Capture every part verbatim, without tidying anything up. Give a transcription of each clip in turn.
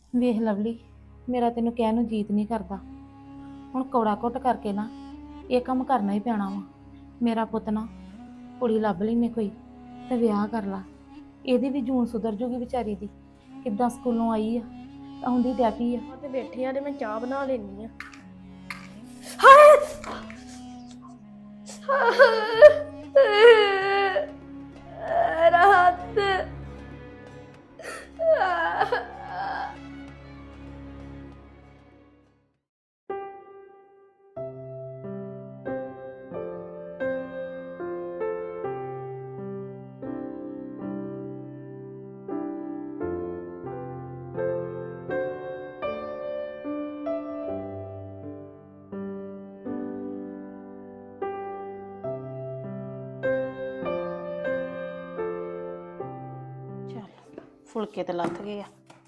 ਵੇਖ ਲਵਲੀ, ਮੇਰਾ ਤੈਨੂੰ ਕਹਿਣ ਨੂੰ ਜੀਤ ਨਹੀਂ ਕਰਦਾ। ਹੁਣ ਕੌੜਾ ਘੁੱਟ ਕਰਕੇ ਨਾ ਇਹ ਕੰਮ ਕਰਨਾ ਹੀ ਪੈਣਾ ਵਾ। ਮੇਰਾ ਪੁੱਤ ਨਾ ਕੁੜੀ ਲੱਭ ਲੈਨੇ ਕੋਈ ਤੇ ਵਿਆਹ ਕਰ ਲਾ। ਇਹਦੀ ਵੀ ਜੂਨ ਸੁਧਰ ਜੂਗੀ ਵਿਚਾਰੀ ਦੀ। ਕਿੱਦਾਂ ਸਕੂਲੋਂ ਆਈ ਆ, ਆਉਂਦੀ ਡੈਪੀ ਆ। ਤੇ ਬੈਠੇ ਆ ਤੇ ਮੈਂ ਚਾਹ ਬਣਾ ਲੈਣੀ ਆ। ਰਾਤ ਫੁਲਕੇ ਤੇ ਲੱਥ ਗਏ ਆ।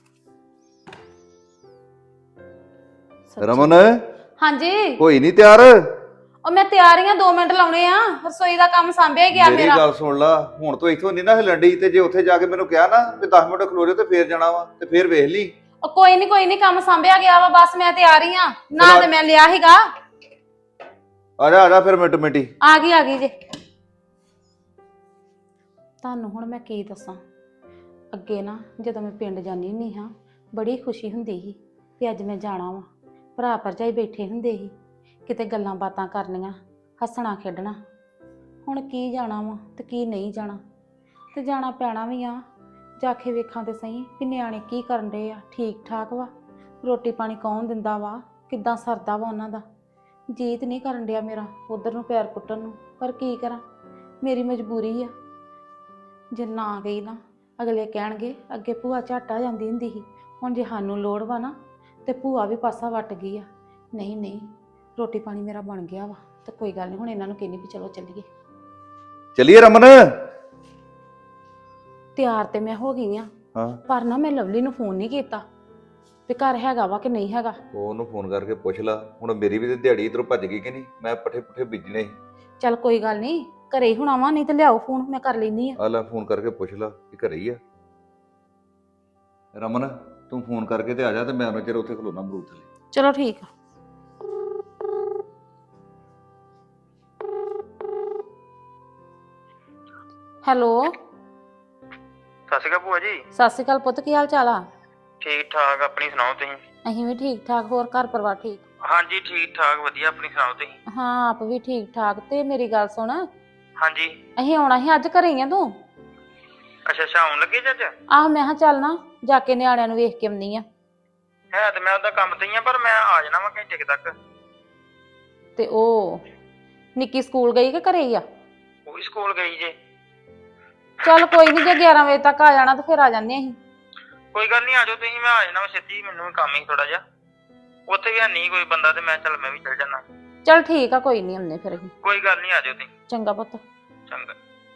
ਰਮਨ ਹਾਂਜੀ ਹੋਈ ਨਹੀਂ ਤਿਆਰ? ਉਹ ਮੈਂ ਤਿਆਰ ਹੀ ਆ, ਦੋ ਮਿੰਟ ਲਾਉਣੇ ਆ। ਰਸੋਈ ਦਾ ਕੰਮ ਸਾਂਭਿਆ ਗਿਆ ਮੇਰੀ ਮੇਰਾ। ਗੱਲ ਸੁਣ ਲਾ, ਹੁਣ ਤੋਂ ਇੱਥੋਂ ਨਹੀਂ ਨਾ ਹਿਲਣ ਡਈ, ਤੇ ਜੇ ਉੱਥੇ ਜਾ ਕੇ ਮੈਨੂੰ ਕਿਹਾ ਨਾ ਵੀ ਦਸ ਮਿੰਟ ਖਲੋ ਜਾਓ ਤੇ ਫੇਰ ਜਾਣਾ ਵਾ, ਤੇ ਫੇਰ ਵੇਖ ਲਈ। ਉਹ ਕੋਈ ਨਹੀਂ ਕੋਈ ਨਹੀਂ, ਕੰਮ ਸਾਂਭਿਆ ਗਿਆ ਵਾ। ਬਸ ਮੈਂ ਤਿਆਰ ਹੀ ਆ। ਨਾ ਤੇ ਮੈਂ ਲਿਆ ਸੀਗਾ। ਆ ਜਾ ਆ ਜਾ ਫਿਰ ਮਿੰਟ ਮਿੰਟੀ। ਆ ਗਈ ਆ ਗਈ ਜੇ। ਤੁਹਾਨੂੰ ਹੁਣ ਮੈਂ ਕੀ ਦੱਸਾਂ। ਅੱਗੇ ਨਾ ਜਦੋਂ ਮੈਂ ਪਿੰਡ ਜਾਂਦੀ ਹੁੰਦੀ ਹਾਂ ਬੜੀ ਖੁਸ਼ੀ ਹੁੰਦੀ ਸੀ ਕਿ ਅੱਜ ਮੈਂ ਜਾਣਾ ਵਾ। ਭਰਾ ਭਰਜਾਈ ਬੈਠੇ ਹੁੰਦੇ ਸੀ, ਕਿਤੇ ਗੱਲਾਂ ਬਾਤਾਂ ਕਰਨੀਆਂ, ਹੱਸਣਾ ਖੇਡਣਾ। ਹੁਣ ਕੀ ਜਾਣਾ ਵਾ ਤੇ ਕੀ ਨਹੀਂ ਜਾਣਾ, ਤੇ ਜਾਣਾ ਪੈਣਾ ਵੀ ਆ। ਜਾ ਕੇ ਵੇਖਾਂ ਤੇ ਸਹੀ ਵੀ ਨਿਆਣੇ ਕੀ ਕਰਨ ਰਹੇ ਆ, ਠੀਕ ਠਾਕ ਵਾ, ਰੋਟੀ ਪਾਣੀ ਕੌਣ ਦਿੰਦਾ ਵਾ, ਕਿੱਦਾਂ ਸਰਦਾ ਵਾ ਉਹਨਾਂ ਦਾ। ਜੀਤ ਨਹੀਂ ਕਰਨ ਡਿਆ ਮੇਰਾ ਉਧਰ ਨੂੰ ਪੈਰ ਪੁੱਟਣ ਨੂੰ, ਪਰ ਕੀ ਕਰਾਂ, ਮੇਰੀ ਮਜਬੂਰੀ ਆ। ਜੇ ਨਾ ਗਈ ਨਾ ਅਗਲੇ ਕਹਿਣਗੇ ਅੱਗੇ ਭੂਆ ਝੱਟ ਆ ਜਾਂਦੀ ਹੁੰਦੀ ਸੀ, ਹੁਣ ਜੇ ਸਾਨੂੰ ਲੋੜ ਵਾ ਨਾ ਤੇ ਭੂਆ ਵੀ ਪਾਸਾ ਵੱਟ ਗਈ ਆ। ਨਹੀਂ ਨਹੀਂ, ਰੋਟੀ ਪਾਣੀ ਮੇਰਾ ਬਣ ਗਿਆ ਵਾ, ਤੇ ਕੋਈ ਗੱਲ ਨਹੀਂ। ਹੁਣ ਇਹਨਾਂ ਨੂੰ ਕਹਿੰਦੀ ਵੀ ਚਲੋ ਚੱਲੀਏ। ਚੱਲੀਏ ਰਮਨ? ਤਿਆਰ ਤੇ ਮੈਂ ਹੋ ਗਈ ਆ, ਹਾਂ ਪਰ ਨਾ ਮੈਂ ਲਵਲੀ ਨੂੰ ਫੋਨ ਨਹੀਂ ਕੀਤਾ ਵੀ ਘਰ ਹੈਗਾ ਵਾ ਕਿ ਨਹੀਂ ਹੈਗਾ। ਉਹਨੂੰ ਫੋਨ ਕਰਕੇ ਪੁੱਛ ਲਾ। ਹੁਣ ਮੇਰੀ ਵੀ ਤੇ ਦਿਹਾੜੀ ਇਧਰੋਂ ਭੱਜ ਗਈ ਕਿ ਨਹੀਂ, ਮੈਂ ਪੱਠੇ ਪੁੱਠੇ ਬੀਜਣੇ ਸੀ। ਚੱਲ ਕੋਈ ਗੱਲ ਨਹੀਂ, ਘਰੇ ਹੀ ਹੋਣਾ ਵਾ, ਨਹੀਂ ਤੇ ਲਿਆਓ ਫੋਨ, ਮੈਂ ਕਰ ਲੈਂਦੀ ਆ। ਆ ਲੈ ਫੋਨ ਕਰਕੇ ਪੁੱਛ ਲਾ ਕਿ ਘਰੇ ਹੀ ਆ। ਰਮਨ ਤੂੰ ਫੋਨ ਕਰਕੇ ਤੇ ਆ ਜਾ, ਤੇ ਮੈਂ ਉਹਨਾਂ ਚਿਰ ਉੱਥੇ ਖਲੋਣਾ ਅਮਰੂਦ ਥੱਲੇ। ਚਲੋ ਠੀਕ ਆ। ਹੈਲੋ, ਸਤਿ ਸ਼੍ਰੀ ਅਕਾਲ ਭੂਆ ਜੀ। ਸਤਿ ਸ਼੍ਰੀ ਅਕਾਲ ਪੁੱਤ, ਕੀ ਹਾਲ ਚਾਲ ਆ? ਠੀਕ ਠਾਕ, ਆਪਣੀ ਸੁਣਾਓ ਤੁਸੀਂ? ਅਸੀਂ ਵੀ ਠੀਕ ਠਾਕ। ਹੋਰ ਘਰ ਪਰਿਵਾਰ ਠੀਕ? ਹਾਂਜੀ ਠੀਕ ਠਾਕ ਵਧੀਆ, ਆਪਣੀ ਸੁਣਾਓ ਤੁਸੀਂ? ਹਾਂ ਆਪ ਵੀ ਠੀਕ ਠਾਕ। ਤੇ ਮੇਰੀ ਗੱਲ ਸੁਣ, ਹਾਂਜੀ। ਅਸੀਂ ਆਉਣਾ ਸੀ ਅੱਜ, ਘਰੇ ਹੀ ਆ ਤੂੰ? ਅੱਛਾ ਅੱਛਾ, ਆਉਣ ਲੱਗੇ ਜੱਜ? ਆਹ ਮੈਂ ਕਿਹਾ ਚੱਲ ਨਾ ਜਾ ਕੇ ਨਿਆਣਿਆਂ ਨੂੰ ਵੇਖ ਕੇ ਆਉਂਦੀ ਆ। ਹੈ ਤੇ ਮੈਂ ਉਹਦਾ ਕੰਮ ਤੇ ਹੀ ਆ, ਪਰ ਮੈਂ ਆ ਜਾਣਾ ਵਾ ਘੰਟੇ ਕੁ ਤੱਕ। ਤੇ ਉਹ ਨਿੱਕੀ ਸਕੂਲ ਗਈ ਕਿ ਘਰੇ ਹੀ ਆ? ਉਹ ਵੀ ਸਕੂਲ ਗਈ ਜੇ। ਚੱਲ ਕੋਈ ਨਹੀਂ, ਜੇ ਗਿਆਰਾਂ ਵਜੇ ਤੱਕ ਆ ਜਾਣਾ ਤਾਂ ਫਿਰ ਆ ਜਾਂਦੇ ਅਸੀਂ। ਕੋਈ ਗੱਲ ਨਹੀਂ, ਆ ਜਾਓ ਤੁਸੀਂ, ਮੈਂ ਆ ਜਾਣਾ ਵਾ ਛੇਤੀ। ਮੈਨੂੰ ਵੀ ਕੰਮ ਹੀ ਥੋੜਾ ਜਿਹਾ, ਉੱਥੇ ਵੀ ਹੈ ਨਹੀਂ ਕੋਈ ਬੰਦਾ, ਤੇ ਮੈਂ ਚੱਲ ਮੈਂ ਵੀ ਚੱਲ ਜਾਣਾ। ਚੱਲ ਠੀਕ ਆ, ਕੋਈ ਨਹੀਂ ਆਉਂਦੇ ਫਿਰ ਅਸੀਂ। ਕੋਈ ਗੱਲ ਨਹੀਂ, ਆ ਜਾਓ ਤੁਸੀਂ। ਚੰਗਾ ਪੁੱਤ। ਚੰਗਾ।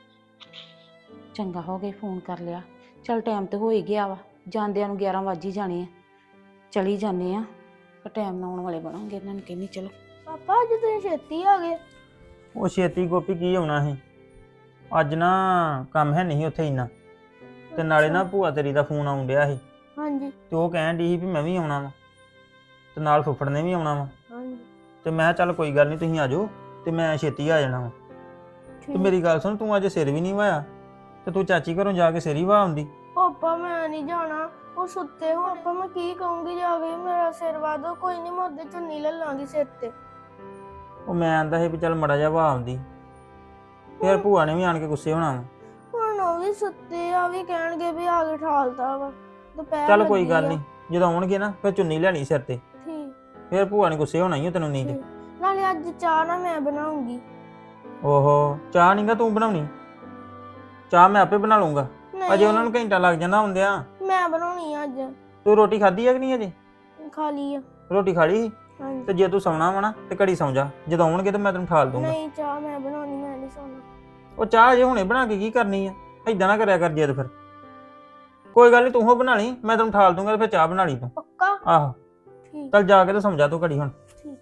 ਚੰਗਾ ਹੋ ਗਿਆ ਫੋਨ ਕਰ ਲਿਆ। ਚੱਲ ਟਾਈਮ ਤੇ ਹੋ ਹੀ ਗਿਆ ਵਾ, ਜਾਂਦਿਆਂ ਨੂੰ ਗਿਆਰਾਂ ਵੱਜ ਹੀ ਜਾਣੇ ਆ। ਚਲੀ ਜਾਂਦੇ ਆ, ਪਰ ਟਾਈਮ ਨਾਲ ਆਉਣ ਵਾਲੇ ਬਣਾਂਗੇ। ਇਹਨਾਂ ਨੂੰ ਕਹਿੰਦੀ ਚਲੋ। ਪਾਪਾ ਅੱਜ ਤੁਸੀਂ ਛੇਤੀ ਆ ਗਏ। ਉਹ ਛੇਤੀ ਗੋਪੀ ਕੀ ਆਉਣਾ ਸੀ, ਅੱਜ ਨਾ ਕੰਮ ਹੈ ਨਹੀਂ ਉੱਥੇ ਇੰਨਾ, ਤੇ ਨਾਲੇ ਨਾ ਭੂਆ ਤੇਰੀ ਦਾ ਫੋਨ ਆਉਣ ਡਿਆ ਸੀ, ਹਾਂਜੀ ਤੇ ਉਹ ਕਹਿਣ ਡਈ ਸੀ ਵੀ ਮੈਂ ਵੀ ਆਉਣਾ ਵਾ, ਤੇ ਨਾਲ ਫੁੱਫੜ ਨੇ ਵੀ ਆਉਣਾ ਵਾ। ਹਾਂਜੀ ਤੇ ਮੈਂ ਕਿਹਾ ਚੱਲ ਕੋਈ ਗੱਲ ਨਹੀਂ ਤੁਸੀਂ ਆ ਜਾਓ, ਤੇ ਮੈਂ ਛੇਤੀ ਆ ਜਾਣਾ ਵਾ। ਤੇ ਮੇਰੀ ਗੱਲ ਸੁਣ, ਤੂੰ ਅੱਜ ਸਿਰ ਵੀ ਨਹੀਂ ਵਾਇਆ, ਤੇ ਤੂੰ ਚਾਚੀ ਘਰੋਂ ਜਾ ਕੇ ਸਿਰ ਹੀ ਵਾ ਆਉਂਦੀ। ਪਾਪਾ ਮੈਂ ਨਹੀਂ ਜਾਣਾ, ਉਹ ਸੁੱਤੇ ਹੋ। ਪਾਪਾ ਮੈਂ ਕੀ ਕਹੂੰਗੀ ਜਾ ਕੇ, ਮੇਰਾ ਸਿਰ ਵਾਦੋ। ਕੋਈ ਨਹੀਂ, ਮੈਂ ਉਹਦੇ ਚੁੰਨੀ ਲੈ ਲਾਂਗੀ ਸਿਰ ਤੇ। ਉਹ ਮੈਂ ਆਂਦਾ ਸੀ ਵੀ ਚੱਲ ਮੜਾ ਜਾ ਵਾ ਆਉਂਦੀ, ਫਿਰ ਭੂਆ ਨੇ ਵੀ ਆਣ ਕੇ ਗੁੱਸੇ ਹੋਣਾ ਵਾ। ਹੁਣ ਉਹ ਵੀ ਸੁੱਤੇ ਆ, ਵੀ ਕਹਿਣਗੇ ਵੀ ਆ ਕੇ ਠਾਲਤਾ ਵਾ, ਦੁਪਹਿਰ ਚੱਲ ਕੋਈ ਲੱਗੀ ਗੱਲ ਆ। ਨਹੀਂ, ਜਦੋਂ ਆਉਣਗੇ ਨਾ ਫਿਰ ਚੁੰਨੀ ਲੈਣੀ ਸਿਰ ਤੇ, ਠੀਕ ਫਿਰ ਭੂਆ ਨੇ ਗੁੱਸੇ ਹੋਣਾ ਹੀ ਆ ਤੈਨੂੰ ਨਹੀਂ ਤੇ। ਠੀਕ। ਨਾਲੇ ਅੱਜ ਚਾਹ ਨਾ ਮੈਂ ਬਣਾਉਂਗੀ। ਓਹੋ, ਚਾਹ ਨਹੀਂਗਾ ਤੂੰ ਬਣਾਉਣੀ, ਚਾਹ ਮੈਂ ਆਪੇ ਬਣਾ ਲੂੰਗਾ। ਅਜੇ ਉਹਨਾਂ ਨੂੰ ਘੰਟਾ ਲੱਗ ਜਾਂਦਾ ਹੁੰਦਿਆਂ। ਮੈਂ ਬਣਾਉਣੀ ਆ ਅੱਜ। ਤੂੰ ਰੋਟੀ ਖਾਧੀ ਆ ਕਿ ਨਹੀਂ ਅਜੇ? ਖਾ ਲਈ ਆ। ਰੋਟੀ ਖਾ ਲਈ ਸੀ? ਹਾਂਜੀ। ਤੇ ਜੇ ਤੂੰ ਸੌਣਾ ਵਾ ਨਾ ਤੇ ਘੜੀ ਸੌਂ ਜਾ, ਜਦੋਂ ਆਉਣਗੇ ਤੇ ਮੈਂ ਤੈਨੂੰ ਠਾਲ ਦੂੰਗਾ। ਨਹੀਂ, ਚਾਹ ਮੈਂ ਬਣਾਉਣੀ, ਮੈਂ ਨਹੀਂ ਸੌਣਾ। ਉਹ ਚਾਹ ਅਜੇ ਹੁਣੇ ਬਣਾ ਕੇ ਕੀ ਕਰਨੀ ਆ, ਏਦਾਂ ਨਾ ਕਰਿਆ ਕਰ ਜਿੱਦ ਫਿਰ। ਕੋਈ ਗੱਲ ਨਹੀਂ, ਤੂੰ ਹੋ ਬਣਾ ਲਈ, ਮੈਂ ਤੈਨੂੰ ਠਾਲ ਦੂੰਗਾ, ਤੇ ਫਿਰ ਚਾਹ ਬਣਾ ਲਈ ਤੂੰ। ਪੱਕਾ? ਆਹੋ ਠੀਕ। ਚੱਲ ਜਾ ਕੇ ਤੇ ਸਮਝਾ ਤੂੰ ਘੜੀ ਹੁਣ। ਠੀਕ।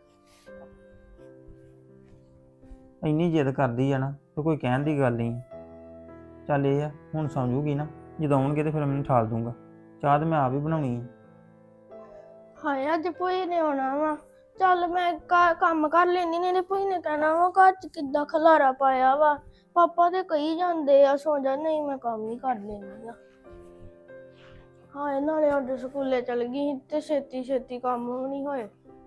ਇੰਨੀ ਜਿੱਦ ਕਰਦੀ ਆ ਨਾ, ਤੇ ਕੋਈ ਕਹਿਣ ਦੀ ਗੱਲ ਨਹੀਂ। ਚੱਲ ਇਹ ਆ, ਹੁਣ ਸੌਂ ਜੂਗੀ ਨਾ, ਜਦੋਂ ਆਉਣਗੇ ਤੇ ਫਿਰ ਮੈਨੂੰ ਠਾਲ ਦੂੰਗਾ। ਚਾਹ ਤੇ ਮੈਂ ਆਪ ਹੀ ਬਣਾਉਣੀ ਆ। ਹਾਏ ਅੱਜ ਭੂਈ ਨੇ ਆਉਣਾ ਵਾ। ਚੱਲ ਮੈਂ ਘਰ ਕੰਮ ਕਰ ਲੈਂਦੀ, ਨਹੀਂ ਤੇ ਭੂਈ ਨੇ ਕਹਿਣਾ ਵਾ ਘਰ ਚ ਕਿੱਦਾਂ ਖਲਾਰਾ ਪਾਇਆ ਵਾ। ਪਾਪਾ ਤੇ ਕਹੀ ਜਾਂਦੇ ਆ ਸੌਂ ਜਾ, ਨਹੀਂ ਮੈਂ ਕੰਮ ਹੀ ਕਰ ਲੈਂਦੀ ਆ। ਹਾਏ ਨਾਲੇ ਅੱਜ ਸਕੂਲੇ ਚਲ ਗਈ ਸੀ ਤੇ ਛੇਤੀ ਛੇਤੀ ਕੰਮ ਵੀ ਨਹੀਂ ਹੋਏ।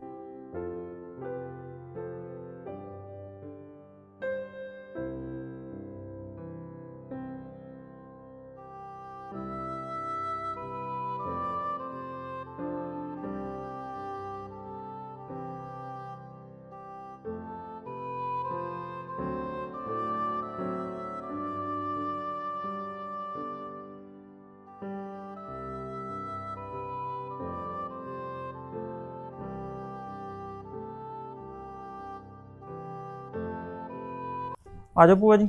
ਆ ਜਾਓ ਭੂਆ ਜੀ,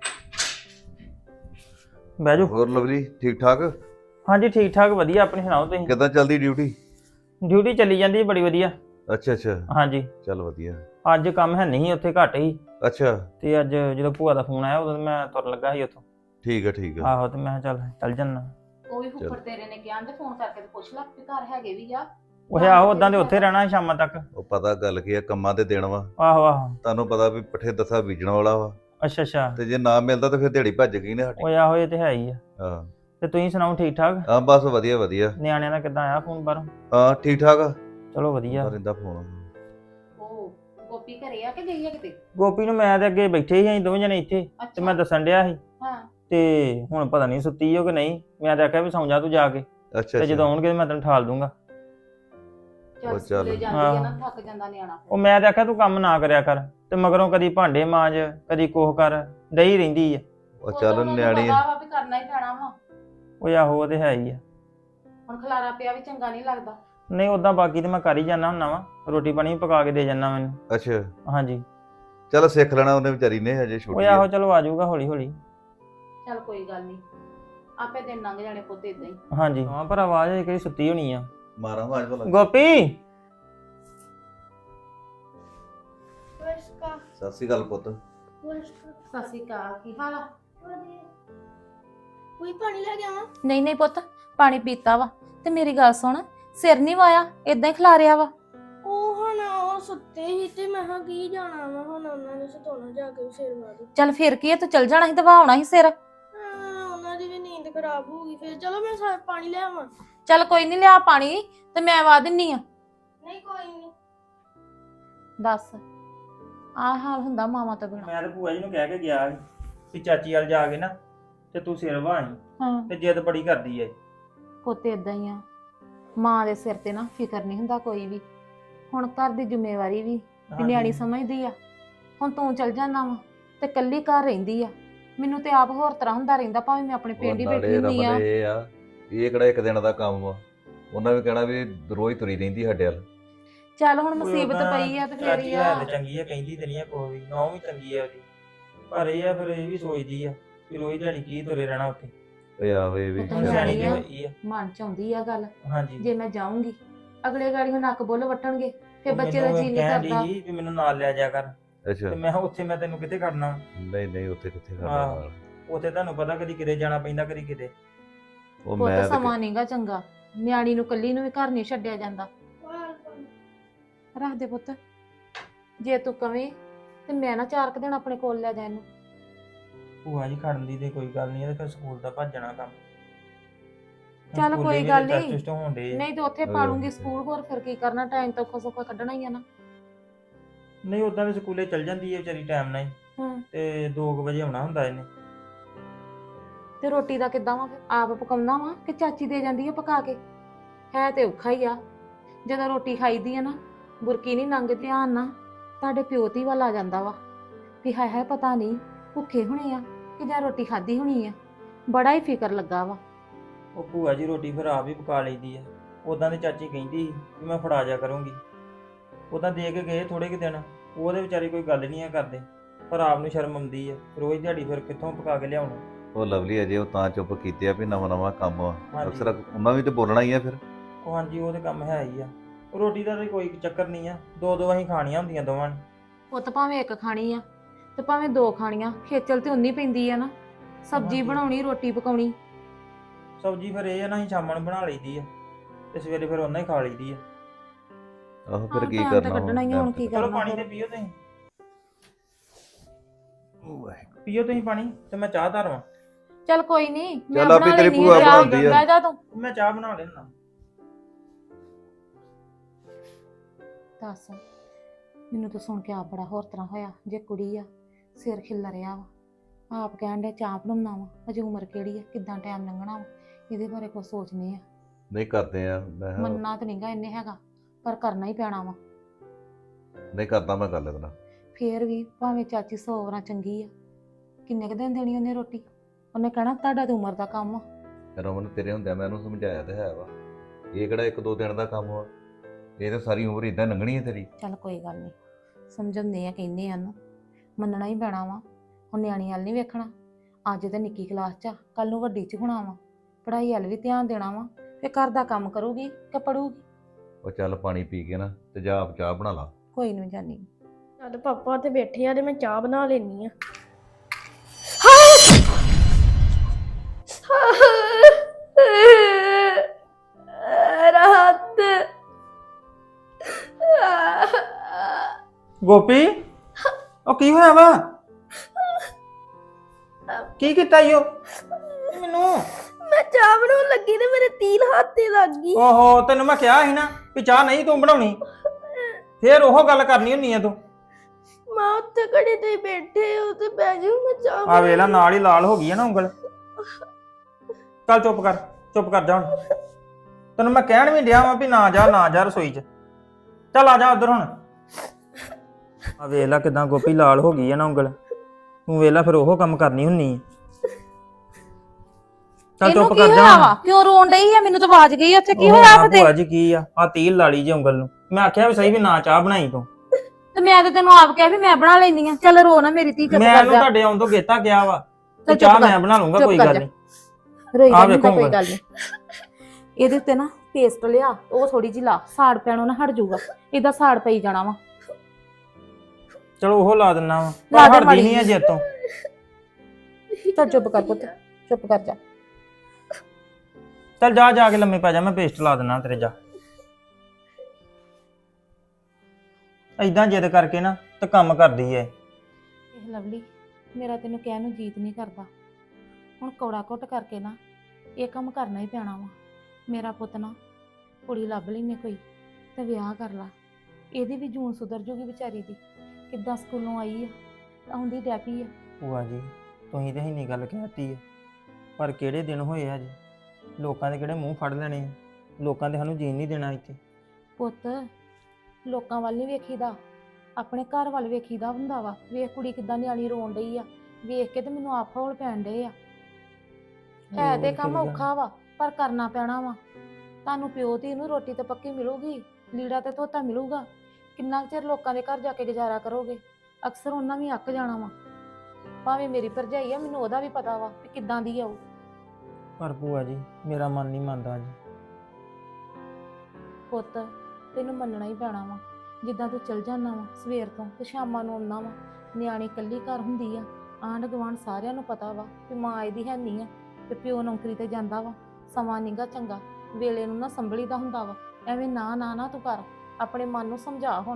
ਬਹਿ ਜਾਓ। ਹੋਰ ਲਵਲੀ ਠੀਕ ਠਾਕ? ਹਾਂਜੀ ਠੀਕ ਠਾਕ ਵਧੀਆ, ਆਪਣੀ ਸੁਣਾਓ ਤੁਸੀਂ? ਕਿੱਦਾਂ ਚੱਲਦੀ ਡਿਊਟੀ? ਡਿਊਟੀ ਚੱਲੀ ਜਾਂਦੀ ਹੈ ਬੜੀ ਵਧੀਆ। ਅੱਛਾ ਅੱਛਾ, ਹਾਂਜੀ ਚੱਲ ਵਧੀਆ। ਅੱਜ ਕੰਮ ਹੈ ਨਹੀਂ ਉੱਥੇ, ਘੱਟ ਹੀ। ਅੱਛਾ ਤੇ ਅੱਜ ਜਦੋਂ ਭੂਆ ਦਾ ਫੋਨ ਆਇਆ ਉਦੋਂ ਮੈਂ ਤੁਰਨ ਲੱਗਾ ਸੀ ਉੱਥੋਂ। ਠੀਕ ਆ ਠੀਕ ਆ। ਆਹੋ ਤੇ ਮੈਂ ਕਿਹਾ ਚੱਲ ਚੱਲ ਜੰਨਾ। ਉਹ ਵੀ ਫੁੱਫੜ ਤੇਰੇ ਨੇ ਕਿਹਾ ਤੇ ਫੋਨ ਕਰਕੇ ਤੇ ਪੁੱਛ ਲੈ ਕਿ ਘਰ ਹੈਗੇ ਵੀ ਆ। ਉਹ ਆਹੋ ਉਦਾਂ ਦੇ ਉੱਥੇ ਰਹਿਣਾ ਸ਼ਾਮਾਂ ਤੱਕ। ਉਹ ਪਤਾ ਗੱਲ ਕੀ ਆ, ਕੰਮਾਂ ਤੇ ਦੇਣ ਵਾ। ਆਹੋ ਆਹੋ। ਤੁਹਾਨੂੰ ਪਤਾ ਵੀ ਪੱਠੇ ਦੱਸਾ ਬੀਜਣ ਵਾਲਾ ਵਾ, ਅੱਛਾ ਅੱਛਾ। ਤੇ ਜੇ ਨਾ ਮਿਲਦਾ ਤਾਂ ਫਿਰ ਦਿਹਾੜੀ ਭੱਜ ਗਈ ਨੇ ਸਾਡੀ। ਉਹ ਆਹੋ ਇਹ ਤੇ ਹੈ ਹੀ ਆ। ਹਾਂ ਤੇ ਤੁਸੀਂ ਸੁਣਾਓ ਠੀਕ ਠਾਕ? ਹਾਂ ਬਸ ਵਧੀਆ ਵਧੀਆ। ਨਿਆਣਿਆਂ ਦਾ ਕਿੱਦਾਂ ਆਇਆ ਫੋਨ ਬਾਹਰੋਂ? ਹਾਂ ਠੀਕ ਠਾਕ ਆ। ਚਲੋ ਵਧੀਆ। ਪਰ ਇਹਦਾ ਫੋਨ ਉਹ ਗੋਪੀ ਘਰੇ ਆ ਕਿ ਗਈ ਆ ਕਿਤੇ? ਗੋਪੀ ਨੂੰ ਮੈਂ ਤੇ ਅੱਗੇ ਬੈਠੇ ਸੀ ਅਸੀਂ ਦੋਵੇਂ ਜਣੇ ਇੱਥੇ, ਤੇ ਅੱਛਾ ਮੈਂ ਦੱਸਣ ਡਿਆ ਸੀ ਹਾਂ। ਤੇ ਹੁਣ ਪਤਾ ਨਹੀਂ ਸੁੱਤੀ ਹੋ ਕਿ ਨਹੀਂ। ਮੈਂ ਤਾਂ ਆਖਿਆ ਵੀ ਸੌਂ ਜਾ ਤੂੰ ਜਾ ਕੇ, ਅੱਛਾ ਤੇ ਜਦੋਂ ਅੱਛਾ। ਆਉਣਗੇ ਮੈਂ ਤੈਨੂੰ ਠਾਲ ਦੂੰਗਾ। ਚੱਲ ਉਹ ਚੱਲ। ਸਕੂਲੇ ਜਾਂਦੀ ਆ ਨਾ, ਥੱਕ ਜਾਂਦਾ ਨਿਆਣਾ। ਉਹ ਮੈਂ ਤਾਂ ਆਖਿਆ ਤੂੰ ਕੰਮ ਨਾ ਕਰਿਆ ਕਰ, ਤੇ ਮਗਰੋਂ ਕਦੀ ਭਾਂਡੇ ਮਾਂਜ ਕਦੀ ਕੋਹ ਕਰ, ਡਈ ਰਹਿੰਦੀ ਆ। ਉਹ ਚੱਲ ਨਿਆਣੀ ਆ। ਪਤਾ ਵਾ ਵੀ ਕਰਨਾ ਹੀ ਪੈਣਾ ਵਾ। ਉਹ ਆਹੋ ਉਹ ਤੇ ਹੈ ਹੀ ਆ। ਹੁਣ ਖਲਾਰਾ ਪਿਆ ਵੀ ਚੰਗਾ ਨਹੀਂ ਲੱਗਦਾ। ਨਹੀਂ ਉਦਾਂ ਬਾਕੀ ਤੇ ਮੈਂ ਕਰ ਹੀ ਜਾਣਾ ਹੁੰਦਾ ਵਾ, ਰੋਟੀ ਪਾਣੀ ਵੀ ਪਕਾ ਕੇ ਦੇ ਜਾਣਾ ਮੈਨੂੰ। ਅੱਛਾ ਹਾਂਜੀ ਚੱਲ ਸਿੱਖ ਲੈਣਾ ਉਹਨੇ ਵਿਚਾਰੀ ਨੇ, ਹਜੇ ਉਹ ਛੋਟੀ ਆਹੋ ਆ। ਚਲੋ ਆ ਜਾਊਗਾ ਹੌਲੀ ਹੌਲੀ। ਚੱਲ ਕੋਈ ਗੱਲ ਨਹੀਂ, ਆਪੇ ਦਿਨ ਲੰਘ ਜਾਣੇ ਪੁੱਤ ਇਦਾਂ ਹੀ। ਹਾਂਜੀ ਹਾਂ ਪਰ ਆਵਾਜ਼ ਇਹ ਕਿਹੜੀ ਸੁੱਤੀ ਹੋਣੀ ਆ। ਮਾਰਾਂ ਆਵਾਜ਼ ਭਲਾ। ਗੋਪੀ ਵਸਕਾ ਸਤਿ ਸ਼੍ਰੀ ਅਕਾਲ ਪੁੱਤ। ਵਸਕਾ ਸਤਿ ਸ਼੍ਰੀ ਅਕਾਲ, ਕੀ ਹਾਲ ਆ? ਕੋਈ ਪਾਣੀ ਲੈ ਕੇ ਆਵਾਂ? ਨਹੀਂ ਨਹੀਂ ਪੁੱਤ, ਪਾਣੀ ਪੀਤਾ ਵਾ। ਤੇ ਮੇਰੀ ਗੱਲ ਸੁਣ, ਸਿਰ ਨਹੀਂ ਵਾਇਆ, ਇਦਾਂ ਹੀ ਖਿਲਾਰਿਆ ਵਾ। ਉਹ ਹੁਣ ਉਹ ਸੁੱਤੇ ਸੀ ਤੇ ਮੈਂ ਕਿਹਾ ਕੀ ਜਾਣਾ ਵਾ ਹੁਣ ਉਹਨਾਂ ਨੇ ਸਤਾਉਣਾ ਜਾ ਕੇ ਸਿਰ ਵਾਦ। ਚੱਲ ਫਿਰ ਕੀ ਆ, ਤੂੰ ਚੱਲ ਜਾਣਾ ਸੀ, ਦਵਾਉਣਾ ਸੀ ਸਿਰ। ਉਹਨਾਂ ਦੀ ਵੀ ਨੀਂਦ ਖਰਾਬ ਹੋ ਗਈ ਫਿਰ। ਚਲੋ ਮੈਂ ਸਾ- ਪਾਣੀ ਲੈ ਆਵਾਂ? ਚੱਲ ਕੋਈ ਨਹੀਂ, ਲਿਆ ਪਾਣੀ ਤੇ ਮੈਂ ਵਾ ਦਿੰਨੀ ਆ। ਨਹੀਂ ਕੋਈ ਨਹੀਂ। ਦੱਸ ਆਹ ਹਾਲ ਹੁੰਦਾ ਮਾਵਾਂ ਤੋਂ ਬਿਨਾਂ। ਮੈਂ ਤੇ ਭੂਆ ਜੀ ਨੂੰ ਕਹਿ ਕੇ ਗਿਆ ਸੀ ਵੀ ਚਾਚੀ ਵੱਲ ਜਾ ਕੇ ਨਾ ਤੇ ਤੂੰ ਸਿਰ ਵਾਹੀਂ, ਹਾਂ ਤੇ ਜਿੱਦ ਬੜੀ ਕਰਦੀ ਏ। ਪੁੱਤ ਇਦਾਂ ਹੀ ਆ, ਮਾਂ ਦੇ ਸਿਰ ਤੇ ਨਾ ਫਿਕਰ ਨਹੀਂ ਹੁੰਦਾ ਕੋਈ ਵੀ। ਹੁਣ ਘਰ ਦੀ ਜ਼ਿੰਮੇਵਾਰੀ ਵੀ ਵੀ ਨਿਆਣੀ ਸਮਝਦੀ ਆ। ਹੁਣ ਤੂੰ ਚੱਲ ਜਾਂਦਾ ਵਾ ਤੇ ਕੱਲੀ ਘਰ ਰਹਿੰਦੀ ਆ। ਮੈਨੂੰ ਤੇ ਆਪ ਹੋਰ ਤਰ੍ਹਾਂ ਹੁੰਦਾ ਰਹਿੰਦਾ, ਭਾਵੇਂ ਮੈਂ ਆਪਣੇ ਪਿੰਡ ਹੀ ਬੈਠੀ ਹੁੰਦੀ ਆ। ਇਹ ਆ ਇਹ ਕਿਹੜਾ ਇੱਕ ਦਿਨ ਦਾ ਕੰਮ ਵਾ, ਉਹਨਾਂ ਵੀ ਕਹਿਣਾ ਵੀ ਰੋਜ਼ ਤੁਰੀ ਰਹਿੰਦੀ ਸਾਡੇ ਵੱਲ। ਚੱਲ ਹੁਣ ਮੁਸੀਬਤ ਪਈ ਆ ਤੇ ਫੇਰ ਹੀ ਆ। ਚਾਚੀ ਚੰਗੀ ਆ, ਕਹਿੰਦੀ ਤੇ ਨਹੀਂ ਆ ਕੋਈ ਵੀ, ਨੌ ਵੀ ਚੰਗੀ ਆ ਉਹਦੀ। ਪਰ ਇਹ ਆ ਫਿਰ ਇਹ ਵੀ ਸੋਚਦੀ ਆ ਕਿ ਰੋਜ਼ ਦਿਹਾੜੀ ਕੀ ਤੁਰੇ ਰਹਿਣਾ ਉੱਥੇ। ਓਏ ਆਹੋ ਇਹ ਵੀ ਉਹ ਤਾਂ ਸਿਆਣੀ ਸਿਆਣੀ ਨਿਆਣੀ ਜਿਹੀ ਆ। ਹੋਈ ਆ। ਮਨ ਚ ਆਉਂਦੀ ਆ ਗੱਲ, ਹਾਂਜੀ ਜੇ ਮੈਂ ਜਾਊਂਗੀ ਅਗਲੇ ਗਾੜੀ ਨੱਕ ਬੁੱਲ ਵੱਟਣਗੇ, ਫੇਰ ਉਹ ਬੱਚੇ ਦਾ ਮੈਨੂੰ ਜੀ ਨਹੀਂ ਕਹਿਣ ਕਰਦਾ। ਡਈ ਸੀ ਵੀ ਮੈਨੂੰ ਨਾਲ ਲੈ ਜਾ ਕਰ, ਅੱਛਾ ਤੇ ਮੈਂ ਕਿਹਾ ਉੱਥੇ ਮੈਂ ਤੈਨੂੰ ਕਿੱਥੇ ਕਰਨਾ। ਨਹੀਂ ਨਹੀਂ ਉੱਥੇ ਕਿੱਥੇ ਕਰਨਾ ਆਹੋ। ਨਾਲ। ਉੱਥੇ ਤੁਹਾਨੂੰ ਪਤਾ ਕਦੀ ਕਿਤੇ ਜਾਣਾ ਪੈਂਦਾ ਕਦੀ ਕਿਤੇ। ਉਹ ਮੈਂ ਪੁੱਤ ਤੇ ਸਮਾਂ ਨਹੀਂਗਾ ਚੰਗਾ, ਨਿਆਣੀ ਨੂੰ ਕੱਲੀ ਨੂੰ ਵੀ ਘਰ ਨਹੀਂ ਛੱਡਿਆ ਜਾਂਦਾ। ਰੱਖ ਦੇ ਪੁੱਤ, ਜੇ ਤੂੰ ਕਵੇਂ ਤੇ ਮੈਂ ਨਾ ਚਾਰ ਕੁ ਦਿਨ ਆਪਣੇ ਕੋਲ ਲੈ ਜਾ ਇਹਨੂੰ। ਭੂਆ ਜੀ ਖੜਨ ਦੀ ਤੇ ਕੋਈ ਗੱਲ ਨਹੀਂ, ਇਹਦੇ ਫਿਰ ਸਕੂਲ ਦਾ ਭੱਜਣਾ ਕੰਮ। ਚੱਲ ਸਕੂਲੇ ਕੋਈ ਵੀ ਗੱਲ ਟੈਸਟ ਨੀ। ਟੁਸਟ ਹੋਣ ਡੇ ਆ। ਨਹੀਂ ਤੇ ਉੱਥੇ ਪਾਲੂੰਗੀ ਸਕੂਲ, ਹੋਰ ਫਿਰ ਕੀ ਕਰਨਾ, ਟਾਈਮ ਤਾਂ ਔਖਾ ਸੌਖਾ ਕੱਢਣਾ ਹੀ ਆ ਨਾ। ਨਹੀਂ ਉਦਾਂ ਵੀ ਸਕੂਲੇ ਚਲ ਜਾਂਦੀ ਹੈ ਵਿਚਾਰੀ ਟਾਈਮ ਨਾਲ ਹੀ, ਹੂੰ ਤੇ ਦੋ ਕੁ ਵਜੇ ਆਉਣਾ ਹੁੰਦਾ ਇਹਨੇ। ਤੇ ਰੋਟੀ ਦਾ ਕਿੱਦਾਂ ਵਾ, ਆਪ ਪਕਾਉਣਾ ਵਾ ਕਿ ਚਾਚੀ ਦੇ ਜਾਂਦੀ ਆ ਪਕਾ ਕੇ? ਹੈ ਤੇ ਔਖਾ ਹੀ ਆ, ਜਦੋਂ ਰੋਟੀ ਖਾਈਦੀ ਆ ਨਾ ਬੁਰਕੀ ਨਹੀਂ ਲੰਘ ਧਿਆਨ ਨਾ ਤੁਹਾਡੇ ਪਿਓ ਤੀ ਵੱਲ ਆ ਜਾਂਦਾ ਵਾ ਵੀ ਹਾਏ ਹਾਏ ਪਤਾ ਨਹੀਂ ਭੁੱਖੇ ਹੋਣੇ ਆ ਕਿ ਜਾਂ ਰੋਟੀ ਖਾਧੀ ਹੋਣੀ ਆ। ਬੜਾ ਹੀ ਫਿਕਰ ਲੱਗਾ ਵਾ। ਉਹ ਭੂਆ ਜੀ ਰੋਟੀ ਫਿਰ ਆਪ ਹੀ ਪਕਾ ਲਈਦੀ ਆ। ਉਦਾਂ ਦੀ ਚਾਚੀ ਕਹਿੰਦੀ ਸੀ ਵੀ ਮੈਂ ਫੜਾ ਜਾ ਕਰੂੰਗੀ। ਉਦਾਂ ਦੇ ਕੇ ਗਏ ਥੋੜੇ ਕੁ ਦਿਨ, ਉਹਦੇ ਵਿਚਾਰੇ ਕੋਈ ਗੱਲ ਨਹੀਂ ਆ ਕਰਦੇ, ਪਰ ਆਪ ਨੂੰ ਸ਼ਰਮ ਆਉਂਦੀ ਆ ਰੋਜ਼ ਦਿਹਾੜੀ ਫਿਰ ਕਿੱਥੋਂ ਪਕਾ ਕੇ ਲਿਆਉਣਾ। ਉਹ ਲਵਲੀ ਅਜੇ ਉਹ ਤਾਂ ਚੁੱਪ ਕੀਤੇ ਆ ਵੀ ਨਵਾਂ ਨਵਾਂ ਕੰਮ ਆ, ਹਾਂਜੀ। ਅਕਸਰ ਉਹਨਾਂ ਵੀ ਤੇ ਬੋਲਣਾ ਹੀ ਆ ਫਿਰ। ਉਹ ਹਾਂਜੀ ਉਹ ਤੇ ਕੰਮ ਹੈ ਹੀ ਆ। ਰੋਟੀ ਦਾ ਤਾਂ ਕੋਈ ਚੱਕਰ ਨਹੀਂ ਆ, ਦੋ ਦੋ ਅਸੀਂ ਖਾਣੀਆਂ ਹੁੰਦੀਆਂ ਦੋਵਾਂ ਨੇ। ਪੁੱਤ ਭਾਵੇਂ ਇੱਕ ਖਾਣੀ ਆ ਤੇ ਭਾਵੇਂ ਦੋ ਖਾਣੀਆਂ, ਖੇਚਲ ਤੇ ਉਨੀ ਪੈਂਦੀ ਆ ਨਾ। ਸਬਜ਼ੀ ਹਾਂਜੀ। ਬਣਾਉਣੀ, ਰੋਟੀ ਪਕਾਉਣੀ। ਸਬਜ਼ੀ ਫਿਰ ਇਹ ਆ ਨਾ ਅਸੀਂ ਸ਼ਾਮਾਂ ਨੂੰ ਬਣਾ ਲਈਦੀ ਆ, ਤੇ ਸਵੇਰੇ ਫਿਰ ਉਹਨਾਂ ਹੀ ਖਾ ਲਈਦੀ ਆ। ਆਹੋ ਫਿਰ ਹਾਂ, ਕੀ time ਤਾਂ ਕਰਨਾ ਕੱਢਣਾ ਹੀ ਆ, ਹੁਣ ਕੀ ਚਲੋ ਕਰਨਾ ਪਾਣੀ ਫਿਰ। ਤੇ ਪੀਓ ਤੁਸੀਂ ਪੀਓ ਤੁਸੀਂ ਪਾਣੀ ਤੇ ਮੈਂ ਚਾਹ ਧਰਵਾਂ। ਚੱਲ ਕੋਈ ਨਹੀਂ ਮੈਂ ਚੱਲ ਆਪੇ ਬਣਾ ਤੇਰੀ ਲੈਣੀ ਭੂਆ ਆ ਚਾਹ, ਬਣਾਉਂਦੀ ਆ। ਬਹਿ ਜਾ ਤੂੰ। ਮੈਂ ਚਾਹ ਬਣਾ ਲੈਣਾ। ਦੱਸ ਮੈਨੂੰ ਤਾਂ ਸੁਣ ਕੇ ਆਪ ਬੜਾ ਹੋਰ ਤਰ੍ਹਾਂ ਹੋਇਆ। ਜੇ ਕੁੜੀ ਆ ਸਿਰ ਖਿੱਲ ਰਿਹਾ ਵਾ, ਆਪ ਕਹਿਣ ਡਿਆ ਚਾਹ ਬਣਾਉਣਾ ਵਾ, ਅਜੇ ਉਮਰ ਕਿਹੜੀ ਆ, ਕਿੱਦਾਂ ਟਾਈਮ ਲੰਘਣਾ ਵਾ, ਇਹਦੇ ਬਾਰੇ ਕੁਝ ਸੋਚਨੇ ਆ। ਨਹੀਂ ਕਰਦੇ ਆ ਮੈਂ ਕਿਹਾ ਮੰਨਣਾ ਤਾਂ ਨਹੀਂਗਾ ਇੰਨੇ ਹੈਗਾ, ਪਰ ਕਰਨਾ ਹੀ ਪੈਣਾ ਵਾ। ਨਹੀਂ ਕਰਦਾ ਮੈਂ ਗੱਲ ਇਹਦੇ ਨਾਲ। ਫੇਰ ਵੀ ਭਾਵੇਂ ਚਾਚੀ ਸੌ ਵਾਰਾਂ ਚੰਗੀ ਆ, ਕਿੰਨੇ ਕੁ ਦਿਨ ਦੇਣੀ ਉਹਨੇ ਰੋਟੀ? ਉਹਨੇ ਕਹਿਣਾ ਤੁਹਾਡਾ ਤਾਂ ਉਮਰ ਦਾ ਕੰਮ ਆ। ਰਮਨ ਤੇਰੇ ਹੁੰਦਿਆਂ ਮੈਂ ਉਹਨੂੰ ਸਮਝਾਇਆ ਤੇ ਹੈ ਵਾ, ਇਹ ਕਿਹੜਾ ਇੱਕ ਦੋ ਦਿਨ ਦਾ ਕੰਮ ਵਾ, ਇਹ ਤਾਂ ਸਾਰੀ ਉਮਰ ਇਦਾਂ ਲੰਘਣੀ ਹੈ ਤੇਰੀ। ਚੱਲ ਕੋਈ ਗੱਲ ਨਹੀਂ, ਸਮਝਾਉਂਦੇ ਆ, ਕਹਿੰਦੇ ਆ ਨੂੰ ਮੰਨਣਾ ਹੀ ਪੈਣਾ ਵਾ। ਹੁਣ ਨਿਆਣੀ ਵੱਲ ਨਹੀਂ ਵੇਖਣਾ, ਅੱਜ ਤਾਂ ਨਿੱਕੀ ਕਲਾਸ 'ਚ ਆ, ਕੱਲ ਨੂੰ ਵੱਡੀ 'ਚ ਹੋਣਾ ਵਾ, ਪੜ੍ਹਾਈ ਵੱਲ ਵੀ ਧਿਆਨ ਦੇਣਾ ਵਾ। ਤੇ ਘਰ ਦਾ ਕੰਮ ਕਰੂਗੀ ਕਿ ਪੜੂਗੀ? ਉਹ ਚੱਲ ਪਾਣੀ ਪੀ ਕੇ ਨਾ ਤੇ ਜਾ ਆਪ ਚਾਹ ਬਣਾ ਲਾ। ਕੋਈ ਨਹੀਂ ਜਾਨੀ। ਚੱਲ ਪਾਪਾ ਤੇ ਬੈਠੇ ਆ ਤੇ ਮੈਂ ਚਾਹ ਬਣਾ ਲੈਣੀ ਆ। ਰਾਤ ਗੋਪੀ ਉਹ ਕੀ ਹੋਇਆ ਵਾ? ਕੀ ਕੀਤਾ ਈਓ ਮੈਨੂੰ? ਮੈਂ ਚਾਹ ਬਣਾਉਣ ਲੱਗੀ ਤੇ ਮੇਰੇ ਤੀਲ ਹੱਥ ਤੇ ਲੱਗ ਗਈ। ਓਹੋ ਤੈਨੂੰ ਮੈਂ ਕਿਹਾ ਸੀ ਨਾ ਵੀ ਚਾਹ ਨਹੀਂ ਤੂੰ ਬਣਾਉਣੀ, ਫੇਰ ਉਹ ਗੱਲ ਕਰਨੀ ਹੁੰਨੀ ਆ ਤੂੰ। ਮੈਂ ਉੱਥੇ ਘੜੀ ਤੇ ਬੈਠੇ ਹੋ ਤੇ ਬਹਿ ਜਾਊ ਮੈਂ ਚਾਹ ਆ ਵੇਲਾ ਨਾਲ ਹੀ ਲਾਲ ਹੋ ਗਈ ਆ ਨਾ ਉਂਗਲ। ਚੱਲ ਚੁੱਪ ਕਰ, ਚੁੱਪ ਕਰ ਜਾ ਹੁਣ। ਤੈਨੂੰ ਮੈਂ ਕਹਿਣ ਵੀ ਡਿਆ ਵਾਂ ਵੀ ਨਾ ਜਾ ਨਾ ਜਾ ਰਸੋਈ 'ਚ। ਚੱਲ ਆ ਜਾ ਉਧਰ ਹੁਣ। ਆ ਵੇਲਾ ਕਿਦਾਂ ਗੋਪੀ ਲਾਲ ਹੋ ਗਈ ਆ ਨਾ ਉਂਗਲ। ਤੂੰ ਵੇਲਾ ਫਿਰ ਉਹ ਕੰਮ ਕਰਨੀ ਹੁੰਨੀ ਆ। ਚੱਲ ਚੁੱਪ ਕਰ ਜਾ ਹੁਣ। ਕਿਉਂ ਰੋਣ ਡਈ ਆ? ਮੈਨੂੰ ਤਾਂ ਆਵਾਜ਼ ਗਈ ਉੱਥੇ, ਕੀ ਉਹ ਹੋਇਆ ਨਾ ਫਤੇ? ਭੂਆ ਜੀ ਕੀ ਆ ਆ ਤੀਲ ਲਾਲੀ ਜੇ ਉਂਗਲ ਨੂੰ। ਮੈਂ ਆਖਿਆ ਵੀ ਸਹੀ ਵੀ ਨਾ ਚਾਹ ਬਣਾਈ ਤੂੰ। ਤੇ ਮੈਂ ਤਾਂ ਤੈਨੂੰ ਆਪ ਕਿਹਾ ਵੀ ਮੈਂ ਬਣਾ ਲੈਣੀ ਆ। ਚੱਲ ਰੋ ਨਾ ਮੇਰੀ ਧੀ, ਚੁੱਪ ਮੈਂ ਕਰ ਇਹਨੂੰ ਜਾ। ਤੁਹਾਡੇ ਆਉਣ ਤੋਂ ਗੇਤਾ ਗਿਆ ਵਾ ਤੇ ਚੱਲ ਚਾਹ ਚੁੱਪ ਕਰ, ਮੈਂ ਬਣਾ ਲੂੰਗਾ, ਚੁੱਪ ਕੋਈ ਕਰ ਗੱਲ ਜਾ। ਨਹੀਂ। ਰੋਈ ਆਹ ਜਾਂਦੀ ਤਾਂ ਵੇਖੋ ਕੋਈ ਉਂਗਲ। ਗੱਲ ਨਹੀਂ। ਇਹਦੇ ਉੱਤੇ ਨਾ ਪੇਸਟ ਲਿਆ, ਉਹ ਥੋੜੀ ਜਿਹੀ ਲਾ, ਸਾੜ ਪੈਣੋਂ ਨਾ ਹਟ ਜਾਊਗਾ। ਇਹਦਾ ਸਾੜ ਪਈ ਜਾਣਾ ਵਾ। ਚਲੋ ਉਹ ਲਾ ਦਿੰਨਾ ਵਾ, ਲਾ ਪਰ ਦੇ ਹਟਦੀ ਮਾੜੀ ਨਹੀਂ ਆ ਜਿਹੀ। ਜੇ ਤੋਂ। ਚੱਲ ਚੁੱਪ ਕਰ ਪੁੱਤ, ਚੁੱਪ ਕਰ ਜਾ। ਚੱਲ ਜਾ ਜਾ ਕੇ ਲੰਮੇ ਪੈ ਜਾ, ਮੈਂ ਪੇਸਟ ਲਾ ਦਿੰਨਾ ਤੇਰੇ। ਜਾ ਏਦਾਂ ਜਿੱਦ ਕਰਕੇ ਨਾ ਤੇ ਕੰਮ ਕਰਦੀ ਐ। ਇਹ ਲਵਲੀ, ਮੇਰਾ ਤੈਨੂੰ ਕਹਿਣ ਨੂੰ ਜੀਤ ਨਹੀਂ ਕਰਦਾ। ਹੁਣ ਕੌੜਾ ਘੁੱਟ ਕਰਕੇ ਨਾ ਇਹ ਕੰਮ ਕਰਨਾ ਹੀ ਪੈਣਾ ਵਾ। ਮੇਰਾ ਪੁੱਤ ਨਾ ਕੁੜੀ ਲੱਭ ਲੈਨੇ ਕੋਈ ਤੇ ਵਿਆਹ ਕਰ ਲਾ। ਇਹਦੀ ਵੀ ਜੂਨ ਸੁਧਰ ਜੂਗੀ ਵਿਚਾਰੀ ਦੀ। ਕਿੱਦਾਂ ਸਕੂਲੋਂ ਆਈ ਆ, ਆਉਂਦੀ ਡੈਪੀ ਆ। ਭੂਆ ਜੀ ਤੁਸੀਂ ਤੇ ਇੰਨੀ ਗੱਲ ਕਹਿਤੀ ਆ, ਪਰ ਕਿਹੜੇ ਦਿਨ ਹੋਏ ਆ ਜੀ? ਲੋਕਾਂ ਦੇ ਕਿਹੜੇ ਮੂੰਹ ਫੜ ਲੈਣੇ ਆ? ਲੋਕਾਂ ਦੇ ਸਾਨੂੰ ਜੀਣ ਨਹੀਂ ਦੇਣਾ ਇੱਥੇ। ਪੁੱਤ ਲੋਕਾਂ ਵੱਲ ਨਹੀਂ ਵੇਖੀਦਾ, ਆਪਣੇ ਘਰ ਵੱਲ ਵੇਖੀਦਾ ਹੁੰਦਾ ਵਾ। ਵੇਖ ਕੁੜੀ ਕਿੱਦਾਂ ਨਿਆਣੀ ਰੋਣ ਡਈ ਆ, ਵੇਖ ਕੇ ਤੇ ਮੈਨੂੰ ਆਪ ਹੌਲ ਪੈਣ ਡਏ ਆ। ਹੈ ਤੇ ਕੰਮ ਔਖਾ ਵਾ, ਪਰ ਕਰਨਾ ਪੈਣਾ ਵਾ। ਤੁਹਾਨੂੰ ਪਿਓ ਧੀ ਨੂੰ ਰੋਟੀ ਤੇ ਪੱਕੀ ਮਿਲੂਗੀ, ਲੀੜਾ ਤੇ ਧੋਤਾ ਮਿਲੂਗਾ। ਕਿੰਨਾ ਕੁ ਚਿਰ ਲੋਕਾਂ ਦੇ ਘਰ ਜਾ ਕੇ ਗੁਜ਼ਾਰਾ ਕਰੋਗੇ? ਅਕਸਰ ਉਹਨਾਂ ਵੀ ਅੱਕ ਜਾਣਾ ਵਾ। ਭਾਵੇਂ ਮੇਰੀ ਭਰਜਾਈ ਆ, ਮੈਨੂੰ ਉਹਦਾ ਵੀ ਪਤਾ ਵਾ ਕਿ ਕਿੱਦਾਂ ਦੀ ਆ ਉਹ। ਪਰ ਭੂਆ ਜੀ ਮੇਰਾ ਮਨ ਨਹੀਂ ਮੰਨਦਾ ਜੀ। ਪੁੱਤ ਤੈਨੂੰ ਮੰਨਣਾ ਹੀ ਪੈਣਾ ਵਾ। ਜਿੱਦਾਂ ਤੂੰ ਚਲ ਜਾਣਾ ਵਾ ਸਵੇਰ ਤੋਂ ਤੇ ਸ਼ਾਮਾਂ ਨੂੰ ਆਉਣਾ ਵਾ, ਨਿਆਣੀ ਇਕੱਲੀ ਘਰ ਹੁੰਦੀ ਆ। ਆਂਢ ਗੁਆਂਢ ਸਾਰਿਆਂ ਨੂੰ ਪਤਾ ਵਾ ਕਿ ਮਾਂ ਇਹਦੀ ਹੈ ਨਹੀਂ ਆ ਤੇ ਪਿਓ ਨੌਕਰੀ ਤੇ ਜਾਂਦਾ ਵਾ। ਸਮਾਂ ਨੀਗਾ ਚੰਗਾ, ਵੇਲੇ ਨੂੰ ਨਾ ਸੰਭਲੀਦਾ ਹੁੰਦਾ ਵਾ। ਐਵੇਂ ਨਾ ਨਾ ਨਾ ਤੂੰ ਕਰ, ਆਪਣੇ ਮਨ ਨੂੰ ਸਮਝਾ ਹੁਣ।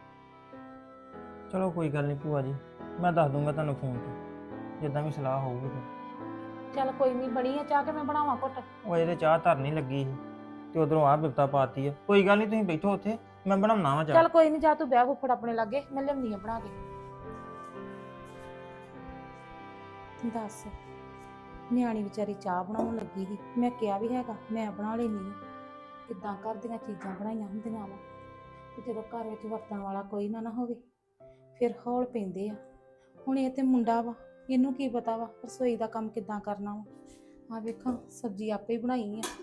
ਚਲੋ ਕੋਈ ਗੱਲ ਨਹੀਂ ਭੂਆ ਜੀ, ਮੈਂ ਦੱਸ ਦੂੰਗਾ ਤੁਹਾਨੂੰ ਫੋਨ ਤੇ ਜਿੱਦਾਂ ਵੀ ਸਲਾਹ ਹੋਊਗੀ ਫਿਰ। ਚੱਲ ਕੋਈ ਨਹੀਂ, ਬਣੀ ਆ ਚਾਹ ਕੇ ਮੈਂ ਬਣਾਵਾਂ ਘੁੱਟ? ਉਹ ਇਹਦੇ ਚਾਹ ਧਰਨੀ ਲੱਗੀ ਸੀ ਤੇ ਉਧਰੋਂ ਆਹ ਬਿਪਤਾ ਪਾਤੀ ਆ। ਕੋਈ ਗੱਲ ਨਹੀਂ ਤੁਸੀਂ ਬੈਠੋ ਉੱਥੇ, ਮੈਂ ਬਣਾਉਣਾ ਵਾ ਚਾਹ। ਚੱਲ ਕੋਈ ਨਹੀਂ, ਜਾ ਤੂੰ ਬਹਿ ਫੁੱਫੜ ਆਪਣੇ ਲਾਗੇ, ਮੈਂ ਲਿਆਉਣੀ ਆ ਬਣਾ ਕੇ। ਦੱਸ ਨਿਆਣੀ ਵਿਚਾਰੀ ਚਾਹ ਬਣਾਉਣ ਲੱਗੀ ਸੀ, ਮੈਂ ਕਿਹਾ ਵੀ ਹੈਗਾ ਮੈਂ ਬਣਾ ਲੈਣੀ ਆ। ਕਿੱਦਾਂ ਘਰ ਦੀਆਂ ਚੀਜ਼ਾਂ ਬਣਾਈਆਂ ਹੁੰਦੀਆਂ ਵਾ, ਤੇ ਜਦੋਂ ਘਰ ਵਿੱਚ ਵਰਤਣ ਵਾਲਾ ਕੋਈ ਨਾ ਨਾ ਹੋਵੇ ਫਿਰ ਹੌਲ ਪੈਂਦੇ ਆ। ਹੁਣ ਇਹ ਤੇ ਮੁੰਡਾ ਵਾ, ਇਹਨੂੰ ਕੀ ਪਤਾ ਵਾ ਰਸੋਈ ਦਾ ਕੰਮ ਕਿੱਦਾਂ ਕਰਨਾ ਵਾ। ਆ ਵੇਖਾਂ ਸਬਜ਼ੀ ਆਪੇ ਹੀ ਬਣਾਈ ਆ।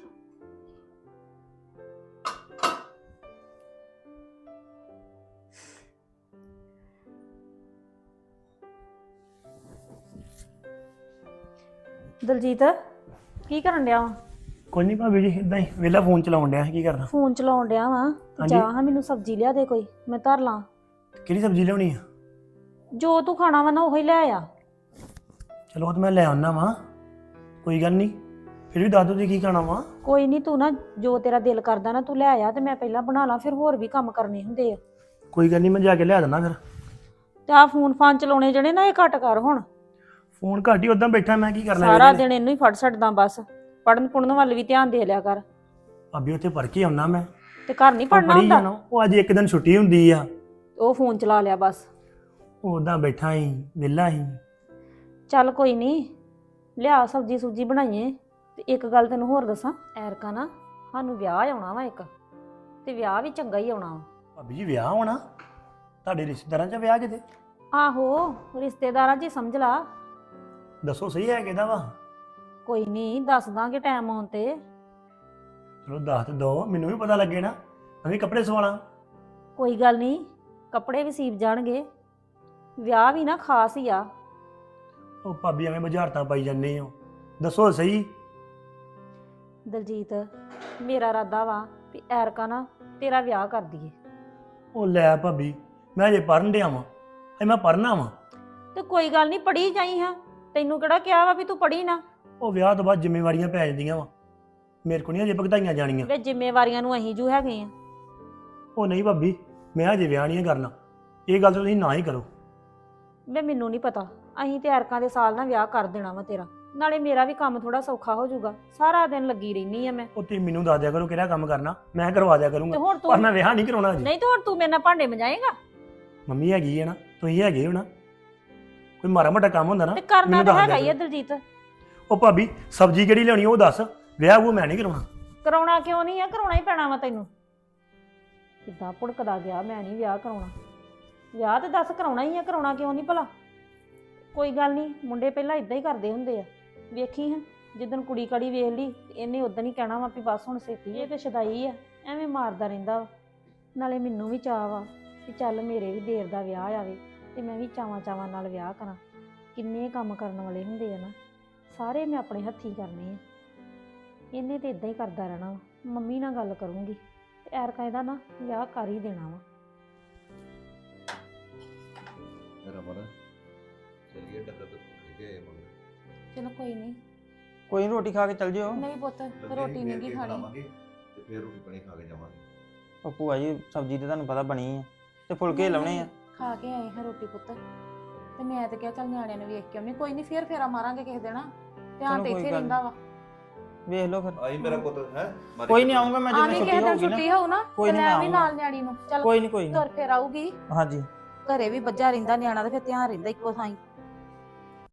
ਦਲਜੀਤ ਕੀ ਕਰਨ ਡਿਆ ਵਾ? ਕੋਈ ਨਹੀਂ ਭਾਬੀ ਜੀ, ਇਦਾਂ ਹੀ ਵਿਹਲਾ ਫੋਨ ਚਲਾਉਣ ਡਿਆ, ਕੀ ਕਰਦਾ? ਫੋਨ ਚਲਾਉਣ ਡਿਆ ਵਾ। ਹਾਂਜੀ। ਜਾ ਹਾਂ ਮੈਨੂੰ ਸਬਜ਼ੀ ਲਿਆ ਦੇ ਕੋਈ, ਮੈਂ ਧਰ ਲਾਂ। ਕਿਹੜੀ ਸਬਜ਼ੀ ਲਿਆਉਣੀ ਆ? ਜੋ ਤੂੰ ਖਾਣਾ ਵਾ ਨਾ ਉਹੀ ਲੈ ਆ। ਚਲੋ ਉਹ ਤਾਂ ਮੈਂ ਲੈ ਆਉਣਾ ਵਾ, ਕੋਈ ਗੱਲ ਨਹੀਂ। ਫਿਰ ਵੀ ਦੱਸ ਦੋ ਤੁਸੀਂ ਕੀ ਖਾਣਾ ਵਾ। ਕੋਈ ਨਹੀਂ, ਤੂੰ ਨਾ ਜੋ ਤੇਰਾ ਦਿਲ ਕਰਦਾ ਨਾ ਤੂੰ ਲੈ ਆ, ਤੇ ਮੈਂ ਪਹਿਲਾਂ ਬਣਾ ਲਾਂ, ਫਿਰ ਹੋਰ ਵੀ ਕੰਮ ਕਰਨੇ ਹੁੰਦੇ ਆ। ਕੋਈ ਗੱਲ ਨਹੀਂ, ਮੈਂ ਜਾ ਕੇ ਲਿਆ ਦਿੰਦਾ ਫਿਰ। ਤੇ ਆ ਫੋਨ ਫਾਨ ਚਲਾਉਣੇ ਜਿਹੜੇ ਨਾ ਇਹ ਘੱਟ ਕਰ ਹੁਣ। ਫੋਨ ਘੱਟ ਹੀ ਉਦਾਂ ਬੈਠਾ ਮੈਂ, ਕੀ ਕਰਨਾ ਸਾਰਾ ਵਿਹਲੇ ਨੇ। ਦਿਨ ਇਹਨੂੰ ਹੀ ਫੜ ਛੱਡਦਾ ਬਸ। ਪੜਨ ਪੁੜਨ ਵੱਲ ਵੀ ਧਿਆਨ ਦੇ ਲਿਆ ਕਰ। ਭਾਬੀ ਉੱਥੇ ਪੜ੍ਹ ਕੇ ਆਉਣਾ ਮੈਂ। ਤੇ ਘਰ ਨਹੀਂ ਉਹ ਪੜਨਾ ਪੜ੍ਹੀ ਹੁੰਦਾ, ਜਾਣਾ, ਉਹ ਅੱਜ ਇੱਕ ਦਿਨ ਛੁੱਟੀ ਹੁੰਦੀ ਆ। ਉਹ ਫੋਨ ਚਲਾ ਲਿਆ ਬਸ। ਉਹ ਉਦਾਂ ਬੈਠਾ ਹੀ ਵਿਹਲਾ ਹੀ। ਚੱਲ ਕੋਈ ਨਹੀਂ, ਲਿਆ ਸਬਜੀ ਸੁਬਜੀ ਬਣਾਈਏ। ਤੇ ਇੱਕ ਗੱਲ ਤੈਨੂੰ ਹੋਰ ਦੱਸਾਂ, ਐਰਕਾ ਨਾ ਸਾਨੂੰ ਵਿਆਹ ਆਉਣਾ ਵਾ ਇੱਕ, ਤੇ ਵਿਆਹ ਵੀ ਚੰਗਾ ਹੀ ਆਉਣਾ ਵਾ। ਭਾਬੀ ਜੀ ਵਿਆਹ ਹੋਣਾ ਤੁਹਾਡੇ ਰਿਸ਼ਤੇਦਾਰਾਂ 'ਚ ਵਿਆਹ ਕਿਤੇ? ਆਹੋ, ਰਿਸ਼ਤੇਦਾਰਾਂ 'ਚ ਹੀ ਸਮਝ ਲਾ। ਦੱਸੋ ਸਹੀ ਹੈ ਕਿਹਦਾ ਵਾ? ਕੋਈ ਨਹੀਂ, ਦੱਸ ਦਾਂਗੇ ਟਾਈਮ ਆਉਣ ਤੇ। ਚਲੋ ਦੱਸ ਤੇ ਦੋ, ਮੈਨੂੰ ਵੀ ਪਤਾ ਲੱਗੇ ਨਾ, ਮੈਂ ਵੀ ਕੱਪੜੇ ਸਵਾਲਾਂ। ਕੋਈ ਗੱਲ ਨਹੀਂ, ਕੱਪੜੇ ਵੀ ਸੀਬ ਜਾਣਗੇ। ਵਿਆਹ ਵੀ ਨਾ ਖਾਸ ਹੀ ਆ। ਉਹ ਭਾਬੀ ਐਵੇਂ ਬੁਝਾਰਤਾਂ ਪਾਈ ਜਾਂਦੇ ਹੋ, ਦੱਸੋ ਸਹੀ। ਦਲਜੀਤ, ਮੇਰਾ ਇਰਾਦਾ ਵਾ ਵੀ ਐਰਕਾ ਨਾ ਤੇਰਾ ਵਿਆਹ ਕਰ ਦਈਏ। ਉਹ ਲੈ ਭਾਬੀ, ਮੈਂ ਅਜੇ ਪੜ੍ਹਨ ਡਿਆ ਵਾਂ, ਅਜੇ ਮੈਂ ਪੜ੍ਹਨਾ ਵਾਂ। ਤੇ ਕੋਈ ਗੱਲ ਨਹੀਂ, ਪੜ੍ਹੀ ਜਾਈ ਹਾਂ। ਤੈਨੂੰ ਕਿਹੜਾ ਕਿਹਾ ਵਾ ਵੀ ਤੂੰ ਪੜ੍ਹੀ ਨਾ। ਉਹ ਵਿਆਹ ਤੋਂ ਬਾਅਦ ਜ਼ਿੰਮੇਵਾਰੀਆਂ ਪੈ ਜਾਂਦੀਆਂ ਵਾ, ਮੇਰੇ ਕੋਲ ਨਹੀਂ ਅਜੇ ਭੁਗਤਾਈਆਂ ਜਾਣੀਆਂ। ਵੇ ਜ਼ਿੰਮੇਵਾਰੀਆਂ ਨੂੰ ਅਸੀਂ ਜੂ ਹੈਗੇ ਆ। ਉਹ ਨਹੀਂ ਭਾਬੀ, ਮੈਂ ਅਜੇ ਵਿਆਹ ਨਹੀਂ ਕਰਨਾ, ਇਹ ਗੱਲ ਤਾਂ ਤੁਸੀਂ ਨਾ ਹੀ ਕਰੋ। ਵੇ ਮੈਨੂੰ ਨਹੀਂ ਪਤਾ, ਅਸੀਂ ਤੇ ਐਰਕਾਂ ਦੇ ਸਾਲ ਨਾਲ ਵਿਆਹ ਕਰ ਦੇਣਾ ਵਾ ਤੇਰਾ। ਨਾਲੇ ਮੇਰਾ ਵੀ ਕੰਮ ਥੋੜਾ ਸੌਖਾ ਹੋ ਜਾਊਗਾ, ਸਾਰਾ ਦਿਨ ਲੱਗੀ ਰਹਿਨੀ ਆ ਮੈਂ। ਉਹ ਤੁਸੀਂ ਮੈਨੂੰ ਦੱਸ ਦਿਆ ਕਰੋ ਕਿਹੜਾ ਕੰਮ ਕਰਨਾ, ਮੈਂ ਕਰਵਾ ਦਿਆ ਤੇ ਕਰੂੰਗਾ, ਹੁਣ ਪਰ ਤੂੰ ਮੈਂ ਵਿਆਹ ਨਹੀਂ ਕਰਾਉਣਾ ਅਜੇ। ਨਹੀਂ ਤੇ ਹੁਣ ਤੂੰ ਮੇਰੇ ਨਾਲ ਭਾਂਡੇ ਮਜਾਏਗਾ। ਮੰਮੀ ਹੈਗੀ ਹੈ ਨਾ, ਤੁਸੀਂ ਹੈਗੇ ਹੋ ਨਾ, ਕੋਈ ਮਾੜਾ ਮੋਟਾ ਕੰਮ ਹੁੰਦਾ ਨਾ ਤੇ ਕਰਨਾ ਮੈਨੂੰ ਤਾਂ ਦੱਸ ਹੈਗਾ ਦਿਆ ਹੀ ਆ ਕਰੋ। ਦਲਜੀਤ। ਉਹ ਭਾਬੀ ਸਬਜ਼ੀ ਕਿਹੜੀ ਲਿਆਉਣੀ ਉਹ ਦੱਸ, ਵਿਆਹ ਉਹ ਮੈਂ ਨਹੀਂ ਕਰਾਉਣਾ। ਕਰਾਉਣਾ ਕਿਉਂ ਨਹੀਂ ਆ, ਕਰਾਉਣਾ ਹੀ ਪੈਣਾ ਵਾ ਤੈਨੂੰ। ਕਿੱਦਾਂ ਭੁੜਕਦਾ ਗਿਆ, ਮੈਂ ਨਹੀਂ ਵਿਆਹ ਕਰਾਉਣਾ। ਵਿਆਹ ਤੇ ਦੱਸ ਕਰਾਉਣਾ ਹੀ ਆ, ਕਰਾਉਣਾ ਕਿਉਂ ਨਹੀਂ ਭਲਾ। ਕੋਈ ਗੱਲ ਨਹੀਂ, ਮੁੰਡੇ ਪਹਿਲਾਂ ਇਦਾਂ ਹੀ ਕਰਦੇ ਹੁੰਦੇ ਆ। ਵੇਖੀ ਹਾਂ, ਜਿੱਦਣ ਕੁੜੀ ਕੜੀ ਵੇਖ ਲਈ ਤੇ ਇਹਨੇ ਉਦੋਂ ਹੀ ਕਹਿਣਾ ਵਾ ਵੀ ਬਸ ਹੁਣ ਛੇਤੀ। ਇਹ ਤੇ ਸ਼ਦਾਈ ਆ, ਐਵੇਂ ਮਾਰਦਾ ਰਹਿੰਦਾ ਵਾ। ਨਾਲੇ ਮੈਨੂੰ ਵੀ ਚਾਅ ਵਾ ਵੀ ਚੱਲ ਮੇਰੇ ਵੀ ਦੇਰ ਦਾ ਵਿਆਹ ਆਵੇ ਤੇ ਮੈਂ ਵੀ ਚਾਵਾਂ ਚਾਵਾਂ ਨਾਲ ਵਿਆਹ ਕਰਾਂ। ਕਿੰਨੇ ਕੰਮ ਕਰਨ ਵਾਲੇ ਹੁੰਦੇ ਆ ਨਾ, ਸਾਰੇ ਮੈਂ ਆਪਣੇ ਹੱਥੀਂ ਕਰਨੇ ਆ। ਇਹਨੇ ਤੇ ਇਦਾਂ ਹੀ ਕਰਦਾ ਰਹਿਣਾ ਵਾ। ਮੰਮੀ ਨਾਲ ਗੱਲ ਕਰੂੰਗੀ ਤੇ ਐਰਕਾ ਇਹਦਾ ਨਾ ਵਿਆਹ ਕਰ ਹੀ ਦੇਣਾ ਵਾ। ਰਮਨ ਚਲਿਏ ਡੱਕਾ ਤੇ ਖਿਜੇ ਆਏ ਮਗਰ। ਚਲੋ ਕੋਈ ਨਹੀਂ। ਕੋਈ ਨੀ, ਰੋਟੀ ਖਾ ਕੇ ਚੱਲ ਜਿਓ। ਨਹੀਂ ਪੁੱਤ, ਰੋਟੀ ਨਹੀਂ ਗੀ ਖਾਣੀ। ਬਣਾਵਾਂਗੇ ਤੇ ਫਿਰ ਰੋਟੀ ਪਾਣੀ ਖਾ ਕੇ ਜਾਵਾਂਗੇ। ਉਹ ਭੂਆ ਜੀ ਸਬਜ਼ੀ ਤੇ ਤੁਹਾਨੂੰ ਪਤਾ ਬਣੀ ਆ, ਤੇ ਫੁਲਕੇ ਲਾਉਣੇ ਆ। ਖਾ ਕੇ ਆਏ ਹਾਂ ਰੋਟੀ ਪੁੱਤ, ਤੇ ਮੈਂ ਤੇ ਕਿਹਾ ਚੱਲ ਨਿਆਣਿਆਂ ਨੂੰ ਵੇਖ ਕੇ ਆਉਣੀ। ਕੋਈ ਨਹੀਂ, ਫੇਰ ਫੇਰਾ ਮਾਰਾਂਗੇ ਕਿਸੇ ਦਿਨ। ਧਿਆਨ ਚਲੋ ਤੇ ਕੋਈ ਇੱਥੇ ਗੱਲ ਰਹਿੰਦਾ ਵਾ। ਵੇਖ ਲਓ ਫਿਰ। ਆਈ ਮੇਰਾ ਪੁੱਤ ਹੈ। ਕੋਈ ਨਹੀਂ, ਆਉਂਗਾ ਮੈਂ ਆ ਜਦੋਂ ਵੀ ਛੁੱਟੀ ਕਿਸੇ ਦਿਨ ਹੋਊਗੀ ਛੁੱਟੀ ਨਾ। ਹੋਊ ਨਾ ਕੋਈ ਤੇ ਨੀ, ਲੈ ਮੈਂ ਵੀ ਆਊਂਗਾ। ਨਾਲ ਨਿਆਣੀ ਨੂੰ। ਚੱਲ ਕੋਈ ਨਹੀਂ ਕੋਈ ਨਹੀਂ। ਤੁਰ ਫੇਰ ਆਊਗੀ। ਹਾਂਜੀ। ਘਰੇ ਵੀ ਬੱਝਾ ਰਹਿੰਦਾ ਨਿਆਣਾ ਤੇ ਫਿਰ ਧਿਆਨ ਰਹਿੰਦਾ ਇੱਕੋ ਥਾਂ ਹੀ।